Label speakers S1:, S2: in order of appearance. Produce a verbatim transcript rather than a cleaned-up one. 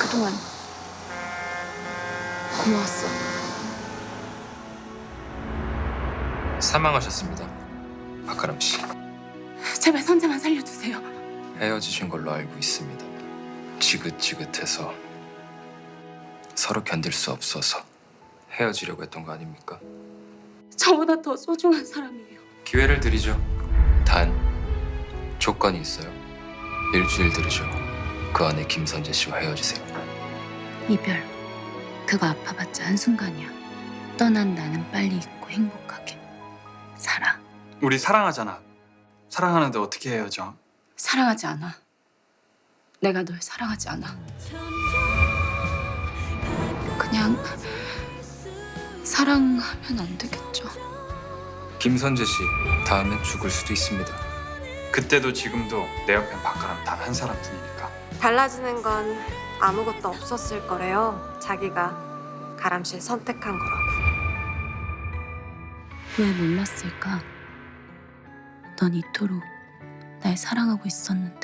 S1: 그동안 고마웠어.
S2: 사망하셨습니다. 박가람 씨.
S1: 제발 선재만 살려주세요.
S2: 헤어지신 걸로 알고 있습니다. 지긋지긋해서 서로 견딜 수 없어서 헤어지려고 했던 거 아닙니까?
S1: 저보다 더 소중한 사람이에요.
S2: 기회를 드리죠. 단 조건이 있어요. 일주일 들으죠. 그 안에 김선재 씨와 헤어지세요.
S1: 이별, 그거 아파봤자 한순간이야. 떠난 나는 빨리 잊고 행복하게 살아.
S3: 우리 사랑하잖아. 사랑하는데 어떻게 헤어져?
S1: 사랑하지 않아. 내가 널 사랑하지 않아. 그냥 사랑하면 안 되겠죠.
S2: 김선재 씨 다음엔 죽을 수도 있습니다.
S3: 그때도 지금도 내 옆엔 박가람 단 한 사람뿐이니까.
S4: 달라지는 건 아무것도 없었을 거래요. 자기가 가람 씨를 선택한 거라고.
S1: 왜 몰랐을까? 넌 이토록 날 사랑하고 있었는데.